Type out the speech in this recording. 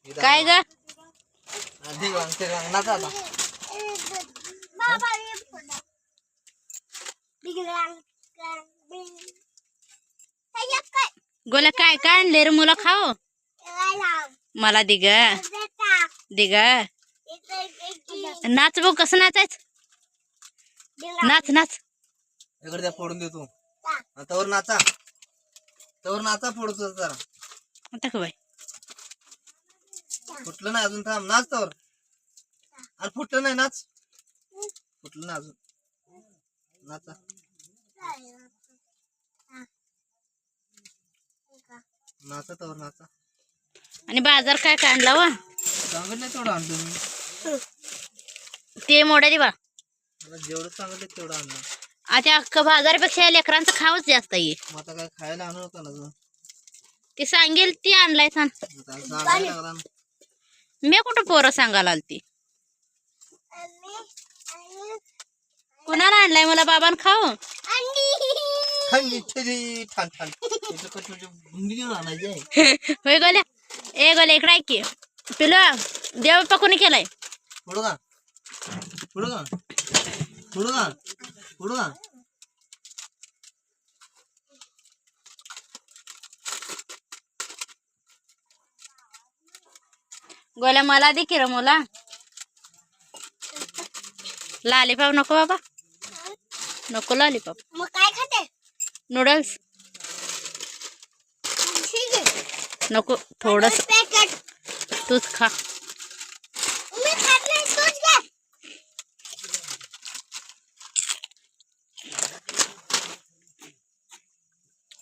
काय ग गोल्या काय काय आणले रे मुला खाओ मला दिग दिग नाच बघ कसं नाचायच नाच नाच इकडे त्या फोडून देतो तवर नाचा फोडतो जरा आता का बाई फुटलं नाही अजून थांब नाच तवर अरे फुटलं नाही नाच फुटलं नाही अजून नाचा नाचा तवर नाचा आणि बाजार काय काय आणला वा सांगितलं तेवढं आणतो मी ते मोडा दे बा मला जेवढं सांगितलं तेवढं आणलं आता अख्खं बाजारापेक्षा या लेकरांचं खावच जास्त आहे मग आता काय खायला आणू नका ना गं. ते सांगेल ती आणलाय सांग आता सांगायला लागला ना. मी कुठं पोरं सांगायला आलती कुणाला आणलाय मला बाबान खाऊ थंडी थंडी ठाण ठाण त्याचं कसं म्हणजे भुंगी घेऊन आणायची आहे. होय गोल्या ए गोल्या इकडे ऐक की पिलं देव पकोनी केलाय पुढं का पुढं का पुढं का पुढं का गोल्या मला दे की रे मुला लॉलीपॉप नको बाबा नको लॉलीपॉप मग काय खाते नूडल्स ठीक आहे नको थोडस पॅकेट तूच खा